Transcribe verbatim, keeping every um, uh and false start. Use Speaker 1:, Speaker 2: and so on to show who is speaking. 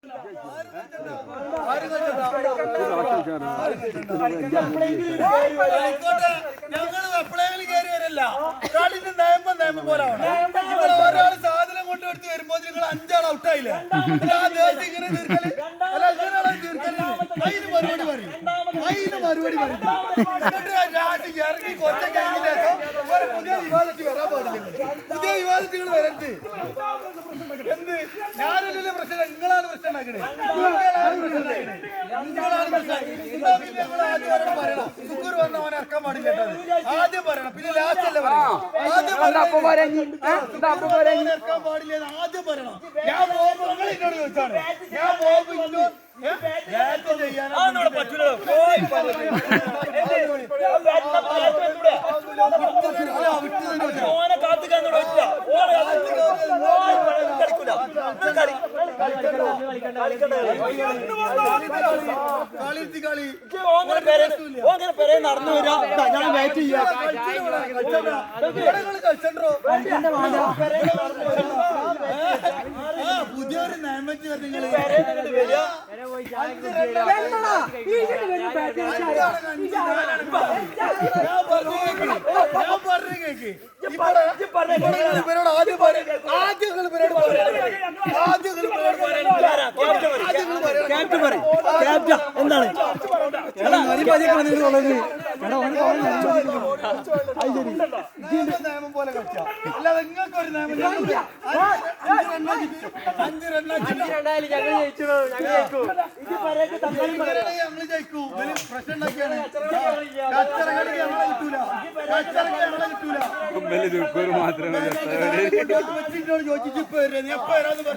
Speaker 1: ഞങ്ങൾ എപ്പോഴെങ്കിലും കയറി വരല്ല. കളിന്റെ നിയമം നിയമം പോലാണ്. നിങ്ങൾ ഒരാൾ സാധനം കൊണ്ടുവരുത്തി വരുമ്പോൾ നിങ്ങൾ അഞ്ചാൾ ഔട്ടായില്ലേ? ആ ദേശം ഇങ്ങനെ തീർക്കല് അല്ല ഇങ്ങനെയാണ് തീർക്കല്. അതിന് മറുപടി പറയും, അതിന് മറുപടി പറയും. എന്നിട്ട് രാജ്യം ഇറങ്ങി കൊച്ച കഴിഞ്ഞ ഒരു പുതിയ വിവാദത്തിൽ വരാൻ പാടില്ല. പുതിയ വിവാദത്തിൽ വരരുത്. എന്ത് ഞാനല്ലേ പ്രശ്നം, നിങ്ങളാണ് പ്രശ്നം ഉണ്ടാക്കണേ. നിങ്ങളാണ് പ്രശ്നം ഉണ്ടാക്കണേ. നിങ്ങളാണ് പ്രശ്നം. എന്താ പിന്നെ നിങ്ങൾ ആദ്യം അവരോട് പറയണം. സുക്കൂർ വന്ന അവനെ ഇറക്കാൻ പാടില്ല. ആദ്യം പറയണം, പിന്നെ ലാസ്റ്റ് അല്ലേ പറയണം. ആദ്യം ഇറക്കാൻ പാടില്ല ആദ്യം പറയണം. ഞാൻ പോകുമ്പോ നിങ്ങൾ എന്നോട് ചോദിച്ചാണ്. ഞാൻ പോകുമ്പോ ഇന്നോ ചെയ്യാനാ പറ്റൂല. നടന്നു വരാ ഞാൻ വെയിറ്റ് ചെയ്യാം. പുതിയൊരു നയമ്പറ്റി നിങ്ങൾ ഞാൻ പറഞ്ഞു കേക്ക് ഇവരോട് ആദ്യം ആദ്യം ഇവരോട് ആദ്യം എന്താണ് നിയമം പോലെ കളിച്ചാ അല്ലാതെ നിങ്ങൾക്ക് ഒരു നിയമം അഞ്ച് രണ്ടായാലും ഞങ്ങൾ ജയിച്ചു. ഞങ്ങൾ ജയിക്കൂ. പ്രശ്നം ഉണ്ടാക്കിയാണ്. കച്ചറകളി ഞങ്ങളെ കിട്ടൂല. കച്ചറകളി ഞങ്ങളെ കിട്ടൂല. മാത്രമേ ചോദിച്ചിട്ട് ഇപ്പൊ വരാ. നീ എപ്പോ വരാന്ന് പറഞ്ഞു.